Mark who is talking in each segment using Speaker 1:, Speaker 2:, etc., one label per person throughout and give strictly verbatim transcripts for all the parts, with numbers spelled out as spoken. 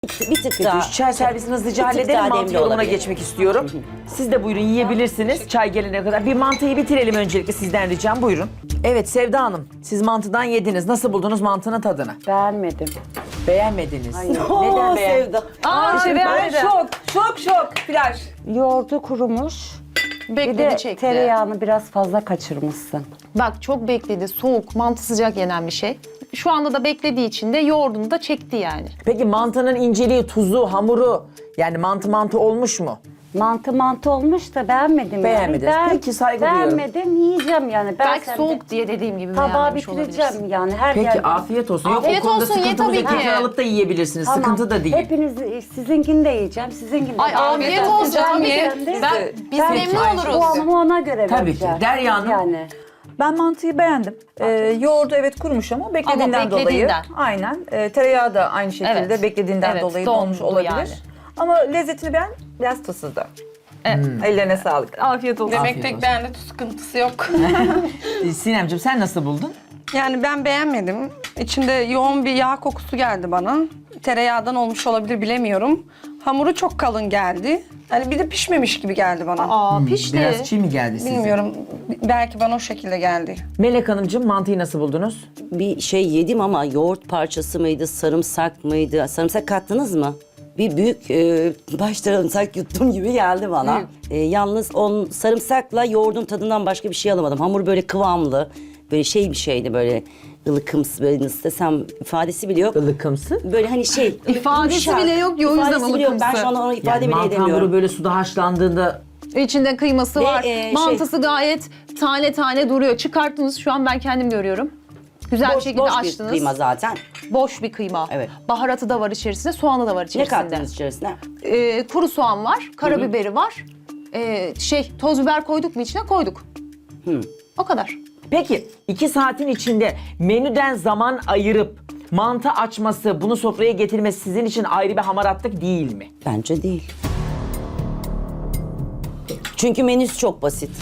Speaker 1: Bir tık daha.
Speaker 2: Şu çay servisini hızlıca
Speaker 1: Bir tık
Speaker 2: halledelim.
Speaker 1: daha
Speaker 2: Mantı
Speaker 1: demli
Speaker 2: yorumuna
Speaker 1: olabilir.
Speaker 2: geçmek istiyorum. Siz de buyurun yiyebilirsiniz çay gelene kadar. Bir mantıyı bitirelim öncelikle sizden ricam. Buyurun. Evet Sevda Hanım, siz mantıdan yediniz. Nasıl buldunuz mantının tadını?
Speaker 3: Beğenmedim.
Speaker 2: Beğenmediniz. Neden
Speaker 1: Oo,
Speaker 2: beğen?
Speaker 1: Sevda.
Speaker 4: Aa, şey
Speaker 5: Ben
Speaker 4: beğenmedi.
Speaker 5: şok, şok, şok. Flash.
Speaker 3: Yoğurdu kurumuş. Bir
Speaker 4: Bekledi
Speaker 3: de
Speaker 4: çekti.
Speaker 3: tereyağını biraz fazla kaçırmışsın.
Speaker 4: Bak çok bekledi. Soğuk, mantı sıcak yenen bir şey. Şu anda da beklediği için de yoğurdunu da çekti yani.
Speaker 2: Peki mantının inceliği, tuzu, hamuru yani mantı mantı olmuş mu?
Speaker 3: Mantı mantı olmuş da beğenmedim.
Speaker 2: Beğenmediniz.
Speaker 3: Yani. Ben
Speaker 2: Peki, saygı duyuyorum.
Speaker 3: Beğenmedim, yiyeceğim yani. Ben
Speaker 4: Belki
Speaker 3: sende
Speaker 4: soğuk diye dediğim gibi
Speaker 3: tabağı
Speaker 4: beğenmemiş
Speaker 3: bitireceğim
Speaker 4: olabilirsin.
Speaker 3: yani. Her
Speaker 2: Peki
Speaker 3: yerde.
Speaker 2: afiyet olsun.
Speaker 4: Afiyet
Speaker 2: Yok o konuda
Speaker 4: olsun, ye
Speaker 2: sıkıntımız
Speaker 4: tabii
Speaker 2: yok.
Speaker 4: ki.
Speaker 2: Alıp da yiyebilirsiniz.
Speaker 3: Tamam.
Speaker 2: Sıkıntı da değil.
Speaker 3: Hepiniz sizinkini de yiyeceğim, sizinkini de
Speaker 4: Ay afiyet olsun tabii ki.
Speaker 3: Ben,
Speaker 4: Ben, biz
Speaker 3: ben
Speaker 4: memnun oluruz.
Speaker 3: puanımı ona göre
Speaker 2: Tabii ki.
Speaker 3: vereceğim.
Speaker 2: Derya Hanım.
Speaker 3: Yani.
Speaker 5: Ben mantıyı beğendim. Ee, yoğurdu evet kurumuş ama beklediğinden,
Speaker 4: Ama beklediğinden.
Speaker 5: dolayı. Aynen. Ee, tereyağı da aynı şekilde
Speaker 4: Evet.
Speaker 5: beklediğinden
Speaker 4: Evet,
Speaker 5: dolayı
Speaker 4: dondu
Speaker 5: donmuş olabilir.
Speaker 4: yani.
Speaker 5: Ama lezzetini beğen, biraz tuzsuzdu. Evet. Ellerine sağlık.
Speaker 4: Afiyet olsun.
Speaker 2: Afiyet
Speaker 6: Demek tek
Speaker 2: olsun.
Speaker 6: bende tuz sıkıntısı yok.
Speaker 2: Ee, Sinemciğim sen nasıl buldun?
Speaker 6: Yani ben beğenmedim. İçinde yoğun bir yağ kokusu geldi bana. Tereyağdan olmuş olabilir bilemiyorum. Hamuru çok kalın geldi. Hani bir de pişmemiş gibi geldi bana.
Speaker 4: Aa pişti.
Speaker 2: Biraz çiğ mi geldi size?
Speaker 6: Bilmiyorum. Belki bana o şekilde geldi.
Speaker 2: Melek Hanımcığım mantıyı nasıl buldunuz?
Speaker 1: Bir şey yedim ama yoğurt parçası mıydı, sarımsak mıydı? Sarımsak kattınız mı? Bir büyük e, baş sarımsak yuttum gibi geldi bana. E, yalnız on sarımsakla yoğurdun tadından başka bir şey alamadım. Hamur böyle kıvamlı, böyle şey bir şeydi böyle ılıkımsı, böyle nasıl desem ifadesi bile yok.
Speaker 2: Ilıkımsı.
Speaker 1: Böyle hani şey.
Speaker 4: İfadesi
Speaker 1: yumuşak.
Speaker 4: bile yok ya, o yüzden
Speaker 1: İfadesi bile yok. Ben
Speaker 4: ılıkımsı.
Speaker 1: şu an onu ifade
Speaker 2: Yani
Speaker 1: bile
Speaker 2: mantı hamuru
Speaker 1: edemiyorum.
Speaker 2: böyle suda haşlandığında
Speaker 4: İçinde kıyması
Speaker 1: Ve,
Speaker 4: var.
Speaker 1: e, şey-
Speaker 4: Mantısı gayet tane tane duruyor. Çıkarttınız şu an ben kendim görüyorum. Güzel bir
Speaker 1: Boş,
Speaker 4: şekilde
Speaker 1: boş bir
Speaker 4: açtınız.
Speaker 1: kıyma zaten.
Speaker 4: Boş bir kıyma.
Speaker 1: Evet.
Speaker 4: Baharatı da var içerisinde, soğanı da var
Speaker 1: Ne
Speaker 4: içerisinde.
Speaker 1: kattınız içerisine?
Speaker 4: Ee, kuru soğan var, karabiberi var. Ee, şey, toz biber koyduk mu içine? Koyduk. O kadar.
Speaker 2: Peki iki saatin içinde menüden zaman ayırıp mantı açması, bunu sofraya getirmesi sizin için ayrı bir hamaratlık değil mi?
Speaker 1: Bence değil. Çünkü menüsü çok basit.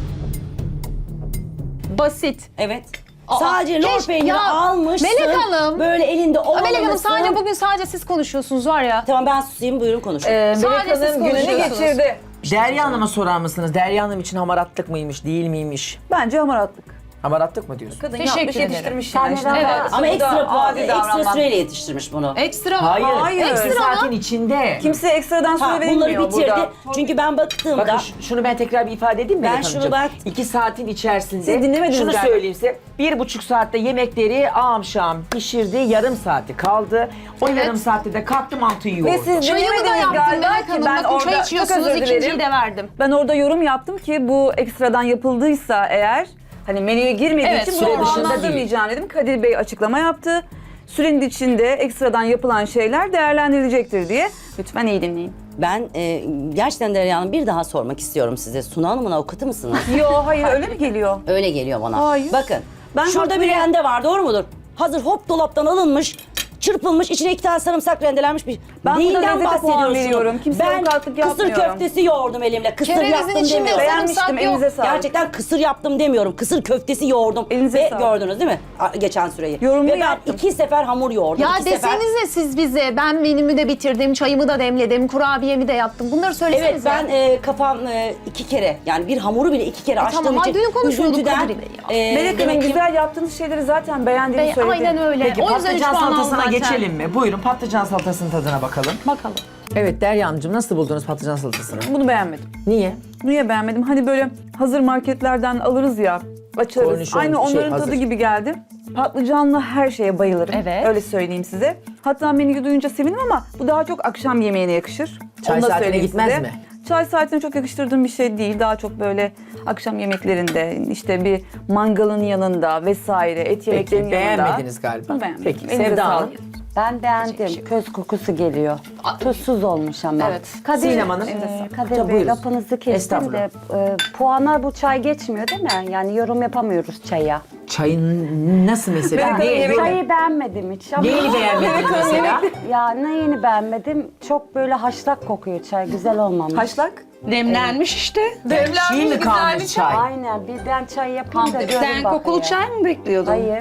Speaker 4: Basit.
Speaker 1: Evet.
Speaker 4: Aa,
Speaker 1: sadece lor
Speaker 4: keş-
Speaker 1: peyniri
Speaker 4: ya,
Speaker 1: almışsın.
Speaker 4: Melek Hanım.
Speaker 1: Böyle elinde
Speaker 4: Aa,
Speaker 1: ovalamışsın.
Speaker 4: Melek Hanım sadece bugün sadece siz konuşuyorsunuz var ya.
Speaker 1: Tamam ben susayım buyurun konuşun.
Speaker 5: Ee,
Speaker 4: Sadece
Speaker 5: Melek
Speaker 4: siz
Speaker 5: Hanım gününü
Speaker 4: konuşuyorsunuz.
Speaker 5: geçirdi.
Speaker 2: Derya Hanım'a sorar mısınız? Derya Hanım için hamaratlık mıymış, değil miymiş?
Speaker 5: Bence hamaratlık.
Speaker 2: Hamaratlık mı diyorsun?
Speaker 5: Kadın
Speaker 4: Teşekkür
Speaker 5: yapmış,
Speaker 4: ederim.
Speaker 5: yetiştirmiş
Speaker 3: Sen
Speaker 5: yani. Şimdi
Speaker 3: neden-
Speaker 5: evet.
Speaker 1: Ama
Speaker 5: Bu da
Speaker 1: ekstra puan,
Speaker 5: adi
Speaker 1: ekstra
Speaker 5: davranmak.
Speaker 1: süreyle yetiştirmiş bunu.
Speaker 4: Ekstra.
Speaker 2: Hayır.
Speaker 5: Hayır.
Speaker 2: İki
Speaker 4: Ekstra
Speaker 2: saatin
Speaker 4: mı?
Speaker 2: içinde.
Speaker 5: Kimse ekstradan
Speaker 1: Ha,
Speaker 5: süre
Speaker 1: bunları
Speaker 5: verilmiyor
Speaker 1: bitirdi.
Speaker 5: burada.
Speaker 1: Çünkü ben baktığımda
Speaker 2: Bakın ş- şunu ben tekrar bir ifade edeyim mi
Speaker 1: Ben
Speaker 2: Melek
Speaker 1: şunu
Speaker 2: Hanımcığım?
Speaker 1: bak-
Speaker 2: İki saatin içerisinde
Speaker 5: Siz dinlemediniz
Speaker 2: şunu
Speaker 5: galiba.
Speaker 2: söyleyeyim size. Bir buçuk saatte yemekleri amşam pişirdi. Yarım saati kaldı. O
Speaker 4: Evet.
Speaker 2: yarım saatte de kalktı mantıyı yoğurdu.
Speaker 5: Ve siz
Speaker 4: Çayımı da
Speaker 5: dinlemediniz
Speaker 4: yaptım
Speaker 5: galiba
Speaker 4: Melek
Speaker 5: ki
Speaker 4: Hanım.
Speaker 5: ben
Speaker 4: Bakın
Speaker 5: orada
Speaker 4: çay
Speaker 5: çok
Speaker 4: içiyorsunuz,
Speaker 5: özür
Speaker 4: ikinciyi
Speaker 5: dilerim.
Speaker 4: de verdim.
Speaker 5: Ben orada yorum yaptım ki bu ekstradan yapıldıysa eğer hani menüye girmediği
Speaker 4: Evet,
Speaker 5: için
Speaker 2: süre
Speaker 5: bunu
Speaker 2: dışında
Speaker 5: puanlandırmayacağım dedim. Kadir Bey açıklama yaptı. Sürenin içinde ekstradan yapılan şeyler değerlendirilecektir diye. Lütfen iyi dinleyin.
Speaker 1: ben e, gerçekten Derya Hanım bir daha sormak istiyorum size. Suna Hanım'ın avukatı mısınız?
Speaker 5: Yo hayır öyle mi geliyor?
Speaker 1: Öyle geliyor bana.
Speaker 5: Hayır.
Speaker 1: Bakın
Speaker 5: Ben
Speaker 1: şurada
Speaker 5: haklı-
Speaker 1: bir rende var doğru mudur? Hazır hop dolaptan alınmış, çırpılmış, içine iki tane sarımsak rendelenmiş bir...
Speaker 5: Ben burada
Speaker 1: Neyinden
Speaker 5: lezzete puan
Speaker 1: bahsediyorsunuz?
Speaker 5: veriyorum. Kimseye
Speaker 1: Ben
Speaker 5: avukatlık
Speaker 1: kısır
Speaker 5: yapmıyorum.
Speaker 1: köftesi yoğurdum elimle. Kısır
Speaker 4: Kerevizin
Speaker 1: yaptım
Speaker 4: içinde
Speaker 1: demiyorum.
Speaker 4: sarımsak
Speaker 5: Beğenmiştim
Speaker 4: yok.
Speaker 5: elinize sağlık.
Speaker 1: Gerçekten kısır yaptım demiyorum. Kısır köftesi yoğurdum.
Speaker 5: Elinize
Speaker 1: Ve
Speaker 5: sağlık.
Speaker 1: gördünüz değil mi? A- Geçen süreyi.
Speaker 5: Yorumumu
Speaker 1: Ve ben
Speaker 5: yaptım.
Speaker 1: iki sefer hamur yoğurdum.
Speaker 4: Ya
Speaker 1: iki sefer...
Speaker 4: desenize siz bize, ben menümü de bitirdim, çayımı da demledim, kurabiyemi de yaptım. Bunları söylesenize.
Speaker 1: Evet ben e, kafam e, iki kere yani bir hamuru bile iki kere açtığım
Speaker 4: tamam, ay
Speaker 1: için
Speaker 4: dün konuşuyorduk
Speaker 1: üzüntüden,
Speaker 4: Kadir Bey ya.
Speaker 1: e,
Speaker 5: Melek Hanım
Speaker 1: demek ki-
Speaker 5: güzel yaptığınız şeyleri zaten beğendiğimi
Speaker 4: Bey,
Speaker 5: söyledi.
Speaker 4: aynen öyle.
Speaker 2: Peki
Speaker 4: o yüzden üç
Speaker 2: patlıcan
Speaker 4: puan aldım
Speaker 2: salatasına
Speaker 4: zaten.
Speaker 2: geçelim mi? Buyurun patlıcan salatasının tadına bakalım.
Speaker 4: Bakalım.
Speaker 2: Evet Derya Hanımcığım nasıl buldunuz patlıcan salatasını?
Speaker 5: Bunu beğenmedim.
Speaker 2: Niye?
Speaker 5: Niye beğenmedim? Hani böyle hazır marketlerden alırız ya, açarız.
Speaker 2: Kornişon
Speaker 5: Aynı
Speaker 2: şey,
Speaker 5: onların
Speaker 2: hazır.
Speaker 5: tadı gibi geldi. Patlıcanlı her şeye bayılırım.
Speaker 4: Evet.
Speaker 5: Öyle söyleyeyim size. Hatta menüyü duyunca sevindim ama bu daha çok akşam yemeğine yakışır.
Speaker 2: Çay
Speaker 5: Onu da
Speaker 2: saatine
Speaker 5: söyleyeyim
Speaker 2: gitmez
Speaker 5: size.
Speaker 2: mi?
Speaker 5: Çay saatine çok yakıştırdığım bir şey değil. Daha çok böyle akşam yemeklerinde işte bir mangalın yanında vesaire et
Speaker 2: Peki
Speaker 5: yemeklerinin yanında.
Speaker 2: beğenmediniz galiba.
Speaker 5: Bunu beğenmedim.
Speaker 2: Peki
Speaker 5: Elinize
Speaker 2: Sevda Hanım.
Speaker 5: sağlık.
Speaker 3: Ben beğendim. Köz kokusu geliyor. Tuzsuz olmuş ama.
Speaker 4: Evet.
Speaker 3: Kadir,
Speaker 2: Sinem Hanım.
Speaker 3: e,
Speaker 2: Tabii,
Speaker 3: Kadir Bey
Speaker 2: buyurun.
Speaker 3: lafınızı kestim
Speaker 2: Estağfurullah.
Speaker 3: de e, puana bu çay geçmiyor değil mi? Yani yorum yapamıyoruz çaya.
Speaker 2: Çayın nasıl mesela?
Speaker 5: Melek Hanım,
Speaker 2: Ne,
Speaker 5: yemek-
Speaker 3: Çayı beğenmedim hiç ama.
Speaker 2: neyini beğenmediniz mesela?
Speaker 3: Ya neyini beğenmedim? Çok böyle haşlak kokuyor çay. Güzel olmamış.
Speaker 5: Haşlak.
Speaker 6: Demlenmiş işte.
Speaker 2: Çiğ mi kalmış çay?
Speaker 3: Aynen. Bir ben çay yapayım da görün
Speaker 6: Sen kokulu
Speaker 3: bakayım.
Speaker 6: çay mı bekliyordun?
Speaker 3: Hayır.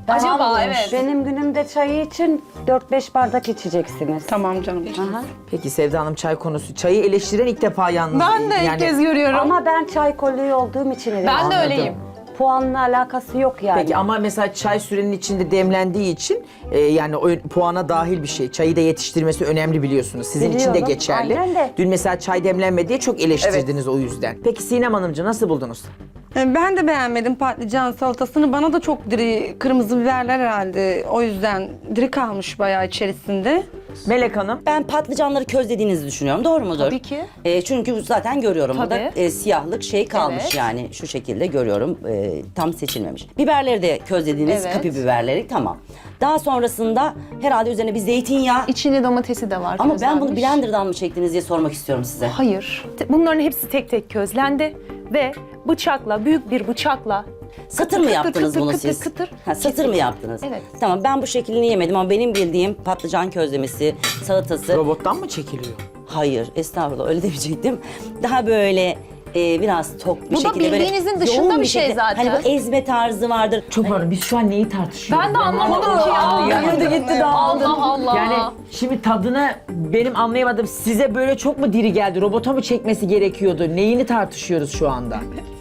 Speaker 4: Acaba evet.
Speaker 3: Benim günümde çayı için dört beş bardak içeceksiniz.
Speaker 6: Tamam canım.
Speaker 3: Aha.
Speaker 2: Peki Sevda Hanım çay konusu. Çayı eleştiren ilk defa yalnız.
Speaker 4: Ben de ilk kez görüyorum.
Speaker 3: Ama ben çay kolyeği olduğum için
Speaker 4: ben de
Speaker 3: eleştiriyorum.
Speaker 4: öyleyim.
Speaker 3: Puanla alakası yok yani.
Speaker 2: Peki ama mesela çay sürenin içinde demlendiği için e, yani o puana dahil bir şey. Çayı da yetiştirmesi önemli biliyorsunuz. Sizin için de
Speaker 3: Biliyorum,
Speaker 2: geçerli.
Speaker 3: aynen de.
Speaker 2: Dün mesela çay demlenmedi diye çok eleştirdiniz o yüzden. Peki Sinem Hanımcığım nasıl buldunuz?
Speaker 6: E, Ben de beğenmedim patlıcan salatasını. Bana da çok diri, kırmızı biberler herhalde. O yüzden diri kalmış bayağı içerisinde.
Speaker 2: Melek Hanım.
Speaker 1: Ben patlıcanları közlediğinizi düşünüyorum. Doğru mudur?
Speaker 4: Tabii ki.
Speaker 1: E, çünkü zaten görüyorum burada
Speaker 4: Tabii.
Speaker 1: e, siyahlık şey kalmış
Speaker 4: Evet.
Speaker 1: yani şu şekilde görüyorum. E, tam seçilmemiş. Biberleri de közlediğiniz
Speaker 4: Evet.
Speaker 1: kapya biberleri tamam. Daha sonrasında herhalde üzerine bir zeytinyağı.
Speaker 4: İçinde domatesi de var.
Speaker 1: Ama ben bunu
Speaker 4: közlenmiş.
Speaker 1: blenderdan mı çektiniz diye sormak istiyorum size.
Speaker 7: Hayır. Te- Bunların hepsi tek tek közlendi ve bıçakla, büyük bir bıçakla
Speaker 1: Satır mı
Speaker 7: kıtır
Speaker 1: yaptınız
Speaker 7: kıtır
Speaker 1: bunu
Speaker 7: kıtır
Speaker 1: siz?
Speaker 7: kıtır
Speaker 1: Ha, satır mı yaptınız?
Speaker 7: Evet.
Speaker 1: Tamam ben bu şeklini yemedim ama benim bildiğim patlıcan közlemesi, salatası.
Speaker 2: Robottan mı çekiliyor?
Speaker 1: Hayır estağfurullah öyle demeyecektim. Daha böyle e, biraz tok bir
Speaker 4: Bu da
Speaker 1: şekilde. böyle
Speaker 4: bildiğinizin dışında
Speaker 1: yoğun
Speaker 4: bir şey
Speaker 1: şekilde-
Speaker 4: zaten.
Speaker 1: Hani bu ezme tarzı vardır.
Speaker 2: Çok pardon biz şu an neyi tartışıyoruz?
Speaker 4: Ben de anlamadım ki ya.
Speaker 2: Anlayamadım.
Speaker 5: gitti dağıldı.
Speaker 4: Allah Allah.
Speaker 2: Yani şimdi tadını benim anlayamadım. Size böyle çok mu diri geldi? Robota mı çekmesi gerekiyordu? Neyini tartışıyoruz şu anda?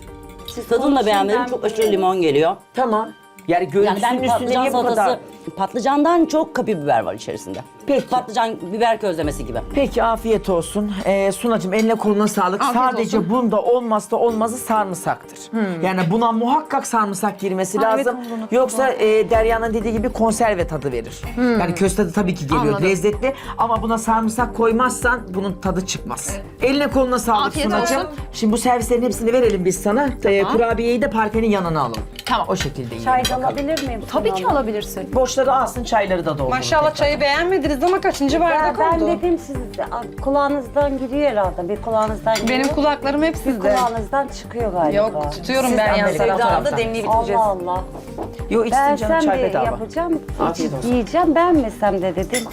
Speaker 1: Tadını da beğenmedim. Çok aşırı limon geliyor.
Speaker 2: Tamam. Yani
Speaker 1: Yani
Speaker 2: görüntüsünün
Speaker 1: ben
Speaker 2: üstünde
Speaker 1: patlıcan
Speaker 2: niye bu
Speaker 1: salatası,
Speaker 2: kadar?
Speaker 1: patlıcandan çok kapya biber var içerisinde.
Speaker 2: Peki.
Speaker 1: Patlıcan biber közlemesi gibi.
Speaker 2: Peki afiyet olsun. Ee, Sunacığım eline koluna sağlık.
Speaker 4: Afiyet
Speaker 2: Sadece
Speaker 4: olsun.
Speaker 2: bunda olmazsa olmazı sarımsaktır. Yani buna muhakkak sarımsak girmesi
Speaker 5: Ha, evet,
Speaker 2: lazım.
Speaker 5: onu unuttum.
Speaker 2: Yoksa e, Derya'nın dediği gibi konserve tadı verir. Yani köz tadı tabii ki geliyor
Speaker 4: Anladım.
Speaker 2: lezzetli ama buna sarımsak koymazsan bunun tadı çıkmaz. Eline koluna sağlık
Speaker 4: Afiyet
Speaker 2: Sunacığım.
Speaker 4: olsun.
Speaker 2: Şimdi bu servislerin hepsini verelim biz sana. Ee, kurabiyeyi de parfenin yanına alalım.
Speaker 4: Tamam.
Speaker 2: O şekilde yiyelim.
Speaker 3: Çay da
Speaker 2: bakalım.
Speaker 3: alabilir miyim?
Speaker 7: tabii
Speaker 3: Sunu
Speaker 7: ki
Speaker 3: Hanım?
Speaker 7: alabilirsin.
Speaker 2: Boşları alsın çayları da doldurun.
Speaker 6: Maşallah çayı beğenmediniz ama kaçıncı
Speaker 3: Ben,
Speaker 6: bardak
Speaker 3: ben
Speaker 6: oldu?
Speaker 3: dedim siz kulağınızdan giriyor herhalde. Bir kulağınızdan giriyor.
Speaker 6: Benim kulaklarım hep
Speaker 3: bir
Speaker 6: sizde.
Speaker 3: kulağınızdan çıkıyor galiba.
Speaker 6: Yok tutuyorum
Speaker 2: Siz
Speaker 6: ben
Speaker 2: de
Speaker 6: yani.
Speaker 2: Amerika'dan
Speaker 5: Sevda Hanım da
Speaker 2: taraftan.
Speaker 5: demliği bitireceğiz.
Speaker 3: Allah Allah.
Speaker 2: Yo içsin canım
Speaker 3: Ben
Speaker 2: çay
Speaker 3: bir
Speaker 2: bedava.
Speaker 3: yapacağım,
Speaker 2: Afiyet
Speaker 3: içip
Speaker 2: olsun.
Speaker 3: yiyeceğim. Beğenmesem de dedim.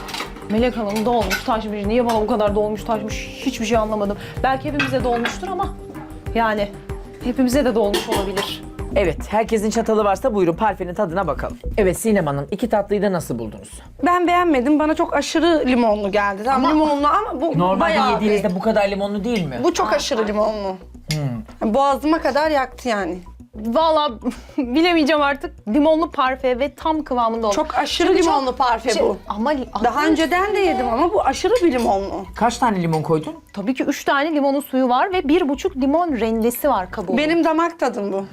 Speaker 7: Melek Hanım dolmuş taşmış. Niye bana bu kadar dolmuş taşmış hiçbir şey anlamadım. Belki hepimize dolmuştur ama yani hepimize de dolmuş olabilir.
Speaker 2: Evet, herkesin çatalı varsa buyurun parfenin tadına bakalım. Evet Sinem Hanım, iki tatlıyı da nasıl buldunuz?
Speaker 6: Ben beğenmedim. Bana çok aşırı limonlu geldi. Tamam limonlu ama bu
Speaker 2: Normalde
Speaker 6: bayağı
Speaker 2: yediğinizde
Speaker 6: bir-
Speaker 2: bu kadar limonlu değil mi?
Speaker 6: Bu çok aşırı limonlu. Boğazıma kadar yaktı yani.
Speaker 7: Vallahi bilemeyeceğim artık. Limonlu parfe ve tam kıvamında oldu.
Speaker 6: Çok aşırı
Speaker 7: Çünkü
Speaker 6: limonlu
Speaker 7: çok-
Speaker 6: parfe
Speaker 7: şey-
Speaker 6: bu.
Speaker 7: Ama
Speaker 6: Daha önceden de yedim ama bu aşırı bir limonlu.
Speaker 2: Kaç tane limon koydun?
Speaker 7: tabii ki üç tane limonun suyu var ve bir buçuk limon rendesi var kabuğu.
Speaker 6: Benim damak tadım bu.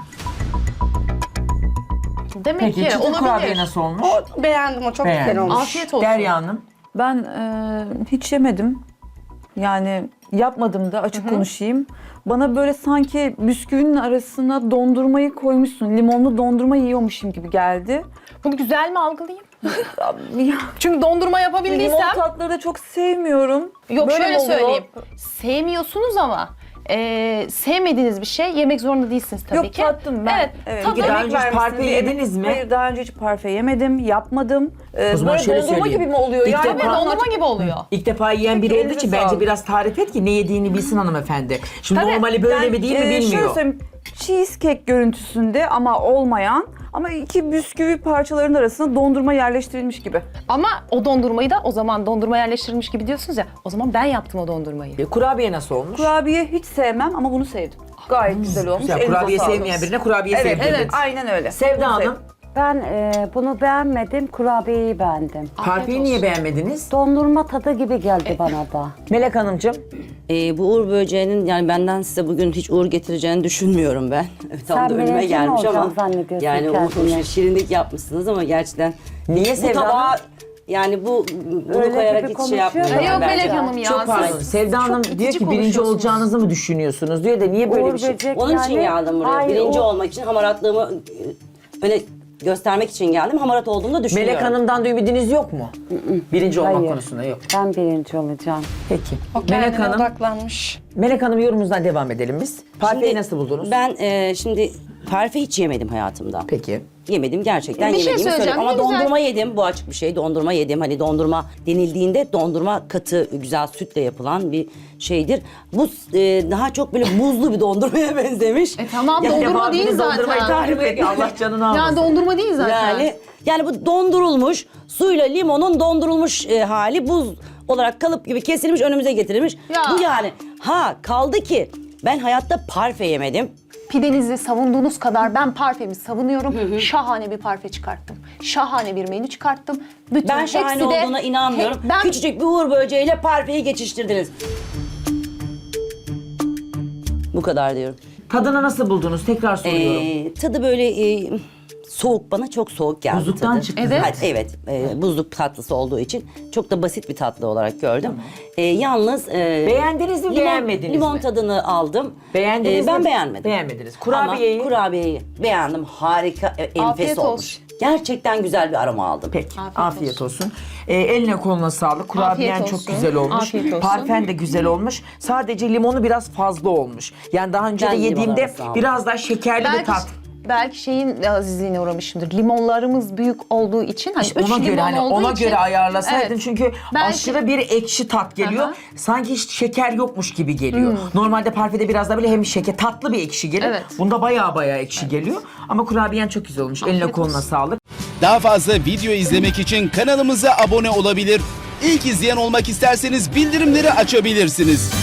Speaker 7: Demek
Speaker 2: Peki
Speaker 7: ki
Speaker 2: çıtır kurabiye
Speaker 7: olabilir.
Speaker 2: nasıl olmuş?
Speaker 6: O beğendim o çok güzel
Speaker 2: Beğendim.
Speaker 6: olmuş.
Speaker 7: Afiyet olsun.
Speaker 2: Derya Hanım.
Speaker 5: Ben e, hiç yemedim. Yani yapmadım da açık konuşayım. Bana böyle sanki bisküvinin arasına dondurmayı koymuşsun. Limonlu dondurma yiyormuşum gibi geldi.
Speaker 7: Bunu güzel mi algılayayım?
Speaker 5: Ya,
Speaker 7: Çünkü dondurma
Speaker 5: limon
Speaker 7: yapabildiysem...
Speaker 5: tatları da çok sevmiyorum.
Speaker 7: Yok
Speaker 5: Böyle
Speaker 7: şöyle
Speaker 5: mi oluyor?
Speaker 7: söyleyeyim. Sevmiyorsunuz ama e, sevmediğiniz bir şey yemek zorunda değilsiniz tabii
Speaker 5: Yok
Speaker 7: ki.
Speaker 5: tattım ben.
Speaker 7: Evet,
Speaker 5: tadı-
Speaker 7: tadı-
Speaker 2: Daha önce hiç
Speaker 5: vermişsin
Speaker 2: parfe
Speaker 5: diye-
Speaker 2: yediniz mi?
Speaker 5: Hayır daha önce hiç parfe yemedim, yapmadım. Ee,
Speaker 2: O zaman
Speaker 5: böyle
Speaker 2: şöyle
Speaker 5: dondurma
Speaker 2: söyleyeyim.
Speaker 5: gibi mi oluyor?
Speaker 2: İlk
Speaker 5: yani
Speaker 2: defa-
Speaker 7: Evet, dondurma gibi oluyor.
Speaker 2: İlk defa yiyen biri
Speaker 5: Peki,
Speaker 2: olduğu
Speaker 5: elinize
Speaker 2: için bence
Speaker 5: sağlık.
Speaker 2: biraz tarif et ki ne yediğini bilsin hanımefendi. Şimdi
Speaker 5: Tabii,
Speaker 2: normali böyle
Speaker 5: ben,
Speaker 2: mi değil mi
Speaker 5: e, Şöyle
Speaker 2: bilmiyor.
Speaker 5: söyleyeyim, cheesecake görüntüsünde ama olmayan ama iki bisküvi parçalarının arasına dondurma yerleştirilmiş gibi.
Speaker 7: Ama o dondurmayı da o zaman dondurma yerleştirilmiş gibi diyorsunuz ya. O zaman ben yaptım o dondurmayı.
Speaker 2: E, kurabiye nasıl olmuş?
Speaker 5: Kurabiye hiç sevmem ama bunu sevdim. Gayet güzel olmuş.
Speaker 2: Güzel,
Speaker 5: Elinize
Speaker 2: kurabiye
Speaker 5: sağlık.
Speaker 2: sevmeyen birine kurabiye
Speaker 5: Evet,
Speaker 2: sevdirdiniz.
Speaker 5: evet, aynen öyle.
Speaker 2: Sevda
Speaker 5: Bunu
Speaker 2: Hanım,
Speaker 5: sevdim.
Speaker 3: Ben e, bunu beğenmedim, kurabiyeyi beğendim.
Speaker 2: parfeyi niye beğenmediniz?
Speaker 3: Dondurma tadı gibi geldi bana da.
Speaker 2: Melek Hanımcığım,
Speaker 1: Ee, bu uğur böceğinin yani benden size bugün hiç uğur getireceğini düşünmüyorum ben. Tam
Speaker 3: Sen
Speaker 1: da önüme
Speaker 3: birinci mi
Speaker 1: gelmiş ama
Speaker 3: olacaksın zannediyorsun
Speaker 1: yani o
Speaker 3: kendini?
Speaker 1: şirinlik yapmışsınız ama gerçekten
Speaker 2: Niye
Speaker 1: bu
Speaker 2: Sevda
Speaker 1: tabağa
Speaker 2: Hanım?
Speaker 1: yani bu bunu
Speaker 3: Öyle
Speaker 1: koyarak
Speaker 3: gibi
Speaker 1: hiç şey
Speaker 3: konuşuyor
Speaker 1: yapmıyorum.
Speaker 3: ya.
Speaker 7: Yok
Speaker 1: bence.
Speaker 7: Melek Hanım ya.
Speaker 2: çok
Speaker 7: siz-
Speaker 2: pardon. Sevda Hanım
Speaker 7: çok
Speaker 2: diyor
Speaker 7: itici
Speaker 2: ki birinci
Speaker 7: konuşuyorsunuz.
Speaker 2: olacağınızı mı düşünüyorsunuz diyor da niye böyle
Speaker 3: Uğur
Speaker 2: bir şey?
Speaker 3: böcek
Speaker 1: Onun için
Speaker 3: yani-
Speaker 1: geldim buraya.
Speaker 3: Hayır,
Speaker 1: Birinci
Speaker 3: o-
Speaker 1: olmak için hamaratlığımı e, öne göstermek için geldim. Hamarat olduğumu da düşünüyorum.
Speaker 2: Melek Hanım'dan da ümidiniz yok mu? Birinci olmak
Speaker 3: Hayır.
Speaker 2: konusunda yok.
Speaker 3: Ben birinci olacağım.
Speaker 2: Peki.
Speaker 6: O
Speaker 2: Melek
Speaker 6: kendine
Speaker 2: Hanım,
Speaker 6: odaklanmış.
Speaker 2: Melek Hanım yorumunuzdan devam edelim biz. Parfeyi
Speaker 1: Şimdi
Speaker 2: nasıl buldunuz?
Speaker 1: Ben e, şimdi parfe hiç yemedim hayatımda.
Speaker 2: Peki.
Speaker 1: Yemedim gerçekten
Speaker 4: Bir şey
Speaker 1: yemediğimi
Speaker 4: söyleyeceğim,
Speaker 1: söyleyeyim. Ama
Speaker 4: ne güzel.
Speaker 1: dondurma yedim. Bu açık bir şey. Dondurma yedim. Hani dondurma denildiğinde dondurma katı, güzel sütle yapılan bir şeydir. Bu e, daha çok böyle buzlu bir dondurmaya benzemiş.
Speaker 4: E tamam,
Speaker 1: Yani
Speaker 4: dondurma
Speaker 2: Devamlı
Speaker 4: değil
Speaker 2: dondurmayı
Speaker 4: zaten.
Speaker 2: tarif et. Allah canını almasın.
Speaker 4: Yani dondurma değil zaten.
Speaker 1: Yani yani bu dondurulmuş suyla limonun dondurulmuş e, hali buz olarak kalıp gibi kesilmiş önümüze getirilmiş.
Speaker 4: Ya.
Speaker 1: Bu yani ha kaldı ki ben hayatta parfe yemedim.
Speaker 4: Pidenizi savunduğunuz kadar ben parfemi savunuyorum. Şahane bir parfe çıkarttım. Şahane bir menü çıkarttım. Bütün
Speaker 1: Ben şahane
Speaker 4: hepsi de-
Speaker 1: olduğuna inanmıyorum.
Speaker 4: He- ben
Speaker 1: Küçücük bir uğur böceğiyle parfeyi geçiştirdiniz. Bu kadar diyorum.
Speaker 2: Tadını nasıl buldunuz? Tekrar soruyorum.
Speaker 1: Ee, tadı böyle e, soğuk, bana çok soğuk geldi
Speaker 2: Buzluktan
Speaker 1: tadı.
Speaker 2: çıktı
Speaker 4: Evet.
Speaker 1: Ha, evet, e, buzluk tatlısı olduğu için çok da basit bir tatlı olarak gördüm. E, yalnız e,
Speaker 2: Beğendiniz mi,
Speaker 1: limon,
Speaker 2: beğenmediniz
Speaker 1: limon
Speaker 2: mi?
Speaker 1: tadını aldım.
Speaker 2: Beğendiniz
Speaker 1: E, ben
Speaker 2: mi?
Speaker 1: beğenmedim.
Speaker 2: Beğenmediniz. Kurabiyeyi?
Speaker 1: Ama kurabiyeyi beğendim. Harika, e, enfes
Speaker 4: Afiyet
Speaker 1: olmuş.
Speaker 4: olsun.
Speaker 1: Gerçekten güzel bir aroma aldım.
Speaker 2: Peki. Afiyet,
Speaker 4: Afiyet
Speaker 2: olsun. Ee, eline koluna sağlık. Kurabiyen
Speaker 4: Afiyet
Speaker 2: çok
Speaker 4: olsun.
Speaker 2: güzel olmuş.
Speaker 4: Afiyet olsun.
Speaker 2: Parfen de güzel olmuş. Sadece limonu biraz fazla olmuş. Yani daha önce
Speaker 1: Ben
Speaker 2: de
Speaker 1: limon
Speaker 2: yediğimde
Speaker 1: arası aldım.
Speaker 2: biraz daha şekerli bir
Speaker 4: belki,
Speaker 2: tat.
Speaker 4: belki şeyin azizliğine uğramışımdır. Limonlarımız büyük olduğu için. Hani
Speaker 2: İşte
Speaker 4: üç
Speaker 2: ona göre
Speaker 4: limon
Speaker 2: hani
Speaker 4: olduğu
Speaker 2: ona
Speaker 4: için-
Speaker 2: göre ayarlasaydın
Speaker 4: Evet.
Speaker 2: çünkü
Speaker 4: Belki-
Speaker 2: aşırı bir ekşi tat geliyor.
Speaker 4: Aha.
Speaker 2: Sanki hiç şeker yokmuş gibi geliyor. Normalde parfede biraz da böyle hem şeker tatlı bir ekşi gelir.
Speaker 4: Evet.
Speaker 2: Bunda bayağı bayağı ekşi geliyor. Ama kurabiyen çok güzel olmuş. Eline
Speaker 4: Afiyet
Speaker 2: koluna
Speaker 4: olsun.
Speaker 2: sağlık.
Speaker 8: Daha fazla video izlemek için kanalımıza abone olabilir. İlk izleyen olmak isterseniz bildirimleri açabilirsiniz.